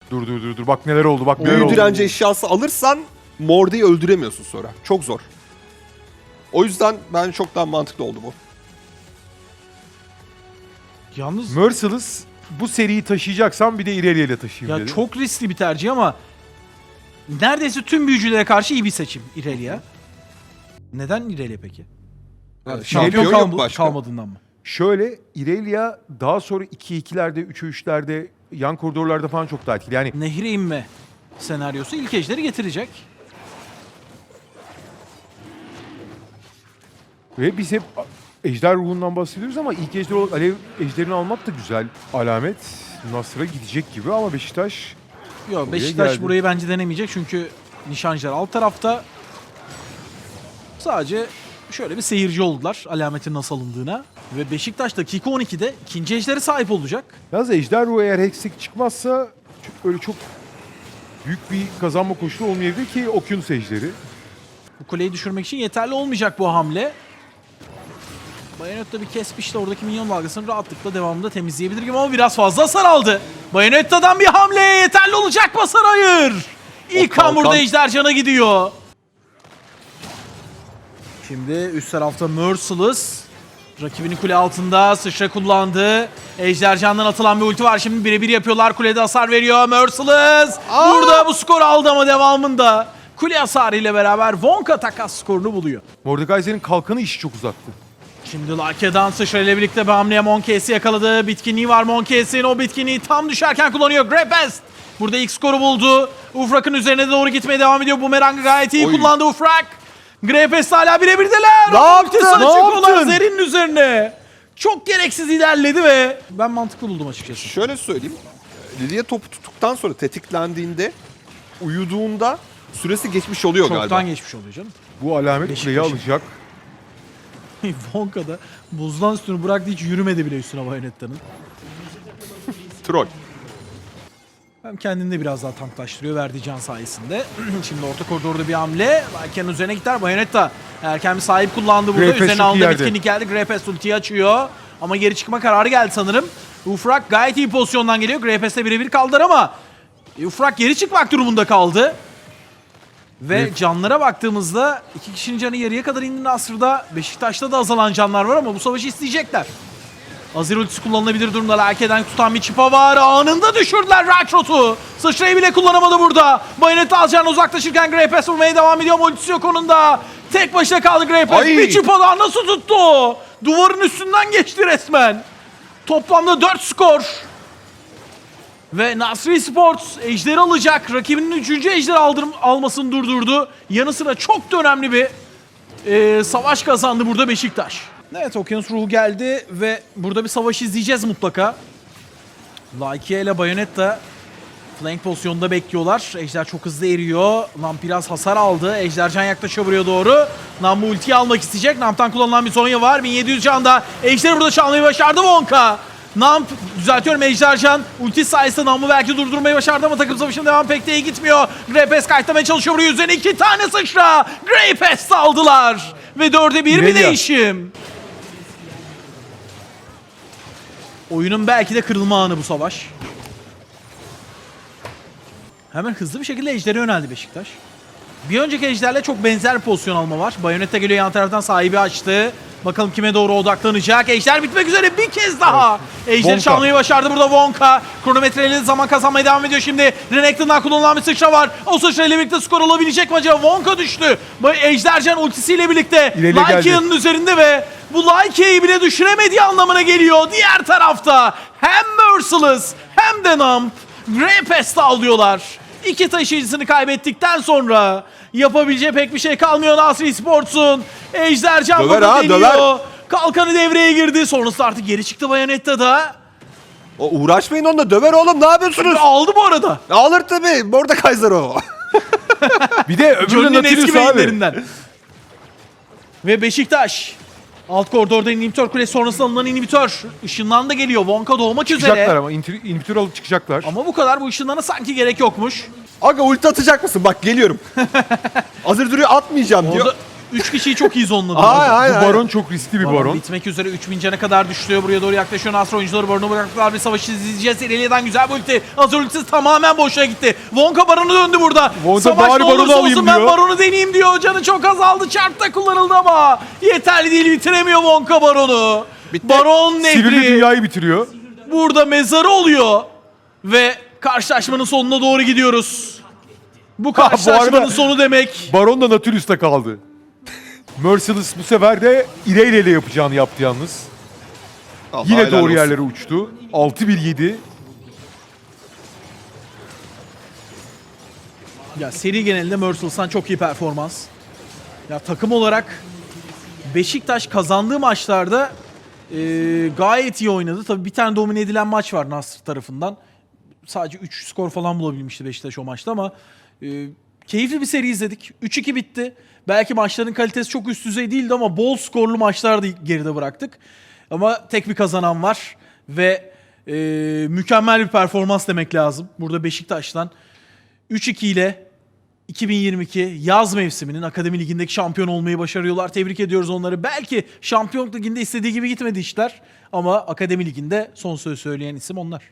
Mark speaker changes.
Speaker 1: Dur. Bak neler oldu. Bak neler
Speaker 2: Büyü
Speaker 1: oldu.
Speaker 2: direnci eşyası alırsan Morde'yi öldüremiyorsun sonra. Çok zor. O yüzden bence çok daha mantıklı oldu bu.
Speaker 3: Yalnız
Speaker 1: Merciless bu seriyi taşıyacaksan bir de Irelia ile taşıyayım
Speaker 3: ya
Speaker 1: dedi.
Speaker 3: çok riskli bir tercih ama neredeyse tüm büyücülere karşı iyi bir seçim Irelia. Neden Irelia peki? Şampiyon
Speaker 2: yok başka.
Speaker 3: kalmadığından mı?
Speaker 1: Şöyle Irelia daha sonra 2-2'lerde, 3'e 3'lerde yan koridorlarda falan çok daha etkili. Yani
Speaker 3: Nehre inme senaryosu ilk ejderi getirecek.
Speaker 1: ve biz hep ejder ruhundan bahsediyoruz ama ilk ejder olarak alev ejderini almak da güzel alamet. Nasır'a gidecek gibi ama Beşiktaş
Speaker 3: Yok, Beşiktaş
Speaker 1: geldi.
Speaker 3: burayı bence denemeyecek çünkü nişancılar alt tarafta. Sadece şöyle bir seyirci oldular alametin nasıl alındığına. Ve Beşiktaş dakika 12'de ikinci ejderi sahip olacak.
Speaker 1: yalnız ejder ruhu eğer Hextech çıkmazsa öyle çok büyük bir kazanma koşulu olmayabilir ki Okyanus ejderi.
Speaker 3: Bu kuleyi düşürmek için yeterli olmayacak bu hamle. Bayonetta bir kesmişti oradaki minyon dalgasını rahatlıkla devamında temizleyebilir gibi ama biraz fazla hasar aldı. Bayonetta'dan bir hamle yeterli olacak mı? Hasar hayır. İlk kan burada ejdercana gidiyor. Şimdi üst tarafta Merciless. Rakibinin kule altında sıçra kullandı. Ejdercan'dan atılan bir ulti var. Şimdi birebir yapıyorlar. Kulede hasar veriyor. Merciless burada bu skoru aldı ama devamında kule hasarı ile beraber Wonka takas skorunu buluyor.
Speaker 1: Mordekaiser'in kalkanı işi çok uzattı.
Speaker 3: Şimdi Lake'dan sıçra ile birlikte bir hamleye Monkey'si yakaladı. Bitkinliği var Monkey'sin. O bitkinliği tam düşerken kullanıyor. Grepest burada ilk skoru buldu. Ufrak'ın üzerine doğru gitmeye devam ediyor. Bumerang'ı gayet iyi kullandı Ufrak. Grepest hala birebirdeler.
Speaker 2: Ne yaptın?
Speaker 3: Ultisini
Speaker 2: Ne
Speaker 3: çekiyorlar
Speaker 2: yaptın?
Speaker 3: Zerin'in üzerine. Çok gereksiz ilerledi ve ben mantıklı buldum açıkçası.
Speaker 2: Şöyle söyleyeyim. Lilia topu tuttuktan sonra tetiklendiğinde uyuduğunda süresi geçmiş oluyor
Speaker 3: Çoktan
Speaker 2: galiba.
Speaker 3: geçmiş oluyor canım.
Speaker 1: Bu alamet
Speaker 3: Beşiktaş'ın.
Speaker 1: kuleyi alacak.
Speaker 3: Wonka da buzdan üstünü bıraktı, hiç yürümedi bile üstüne Bayonetta'nın.
Speaker 2: Troll.
Speaker 3: Hem kendini de biraz daha tanklaştırıyor verdiği can sayesinde. Şimdi orta koridorda bir hamle. Lake'nin üzerine gider. Bayonetta erken bir sahip kullandı burada.
Speaker 1: Greyfest
Speaker 3: Üzerine
Speaker 1: çok iyi
Speaker 3: aldığı
Speaker 1: yerde.
Speaker 3: bitkinlik geldi. Greyfest ultiyi açıyor. Ama geri çıkma kararı geldi sanırım. Ufrak gayet iyi pozisyondan geliyor. Greyfest'le birebir kaldılar ama Ufrak geri çıkmak durumunda kaldı. Ve canlara baktığımızda iki kişinin canı yarıya kadar indi Nasır'da. Beşiktaş'ta da azalan canlar var ama bu savaşı isteyecekler. Azir ultisi kullanılabilir durumda. Lake'den tutan bir çipa var. Anında düşürdüler Rakrot'u. Sıçrayı bile kullanamadı burada. Bayonetta alacağına uzaklaşırken Greypass vurmaya devam ediyor ama ultisi yok onun da. Tek başına kaldı Greypass.
Speaker 2: Ay!
Speaker 3: Bir çipa daha nasıl tuttu? Duvarın üstünden geçti resmen. Toplamda 4 skor. Ve Nasri Sports ejderi alacak. Rakibinin 3. ejderi almasını durdurdu. Yanı sıra çok da önemli bir savaş kazandı burada Beşiktaş. Evet, Okyanus ruhu geldi ve burada bir savaş izleyeceğiz mutlaka. Lakia ile Bayonetta flank pozisyonunda bekliyorlar. Ejder çok hızlı eriyor. Namp biraz hasar aldı. Ejdercan yaklaşıyor buraya doğru. Namp ultiyi almak isteyecek. Namp'tan kullanılan bir Zonya var. 1700 canda. Ejder'i burada çalmayı başardı Wonka. Namp, düzeltiyorum, Ejdercan ulti sayesinde Namp'ı belki durdurmayı başardı ama takım savaşının devamı pek de iyi gitmiyor. Greypass kayıtlamaya çalışıyor buraya. Üzerine 2 tane sıçra. Greypass aldılar. Ve 4'e 1 bir değişim. Oyunun belki de kırılma anı bu savaş. Hemen hızlı bir şekilde ejdere yöneldi Beşiktaş. Bir önceki ejderle çok benzer bir pozisyon alma var. Bayonetta geliyor yan taraftan, sahibi açtı. Bakalım kime doğru odaklanacak. Ejder bitmek üzere bir kez daha. Ejder'i çalmayı başardı burada Wonka. Kronometreyle zaman kazanmaya devam ediyor şimdi. Renekton'dan kullanılan bir sıçra var. O sıçra ile birlikte skor alabilecek mi acaba? Wonka düştü. Ejdercan ultisiyle birlikte Lakia'nın üzerinde ve bu Lakia'yı bile düşüremediği anlamına geliyor. Diğer tarafta hem Merciless hem de Namp Greypass'ta alıyorlar. İki taşıyıcısını kaybettikten sonra yapabileceği pek bir şey kalmıyor Nasri Sports'un. Ejdercan burada deniyor. Kalkanı devreye girdi. Sonrasında artık geri çıktı Bayonetta'da.
Speaker 2: O uğraşmayın onunla, döver oğlum, ne yapıyorsunuz?
Speaker 3: Aldı bu arada.
Speaker 2: Alır tabii. Mordekaiser o.
Speaker 1: Bir de öbürünün
Speaker 3: Johnny'nin eski
Speaker 1: Nautilus abi.
Speaker 3: beyinlerinden. Ve Beşiktaş. Alt koridorda inhibitör kulesi sonrasında alınan inhibitör. Işınlan da geliyor. Wonka doğmak
Speaker 1: Çıkacaklar
Speaker 3: üzere.
Speaker 1: ama inhibitör alıp çıkacaklar.
Speaker 3: Ama bu kadar, bu ışınlana sanki gerek yokmuş.
Speaker 2: Aga ulti atacak mısın? Bak geliyorum. Hazır duruyor, atmayacağım diyor.
Speaker 3: Orada 3 kişiyi çok iyi zonladı.
Speaker 2: Aynen.
Speaker 1: Bu baron çok riskli bir baron.
Speaker 3: Bitmek üzere 3000 cana kadar düşüyor. Buraya doğru yaklaşıyor. Nasr oyuncuları baronu bıraktılar. Bir savaşı izleyeceğiz. İrelia'dan güzel bir ulti. Hazır ultisi tamamen boşa gitti. Wonka baronu döndü burada.
Speaker 1: Wonka
Speaker 3: Savaş
Speaker 1: bari
Speaker 3: ne
Speaker 1: baronu
Speaker 3: olursa
Speaker 1: alayım
Speaker 3: olsun ben
Speaker 1: diyor.
Speaker 3: baronu deneyeyim diyor. Canı çok azaldı. Çarp da kullanıldı ama yeterli değil. Bitiremiyor Wonka baronu.
Speaker 2: Bitti.
Speaker 3: Baron
Speaker 1: Sivri
Speaker 3: nefri
Speaker 1: dünyayı bitiriyor.
Speaker 3: burada mezarı oluyor. Ve karşılaşmanın sonuna doğru gidiyoruz. Bu karşılaşmanın
Speaker 1: arada-
Speaker 3: sonu demek.
Speaker 1: Baron da Nautilus'ta kaldı. Merciless bu sefer de İrelia ile yapacağını yaptı yalnız.
Speaker 2: Allah
Speaker 1: Yine
Speaker 2: helal
Speaker 1: doğru
Speaker 2: olsun.
Speaker 1: yerlere uçtu. 6-1-7.
Speaker 3: Ya seri genelinde Merciless'tan çok iyi performans. Ya takım olarak Beşiktaş kazandığı maçlarda gayet iyi oynadı. Tabii bir tane domine edilen maç var Nasr tarafından. Sadece 3 skor falan bulabilmişti Beşiktaş o maçta ama keyifli bir seri izledik. 3-2 bitti. Belki maçların kalitesi çok üst düzey değildi ama bol skorlu maçlar da geride bıraktık. Ama tek bir kazanan var ve mükemmel bir performans demek lazım. Burada Beşiktaş'tan 3-2 ile 2022 yaz mevsiminin Akademi Ligi'ndeki şampiyon olmayı başarıyorlar. Tebrik ediyoruz onları. Belki Şampiyonluk Ligi'nde istediği gibi gitmedi işler ama Akademi Ligi'nde son söz söyleyen isim onlar.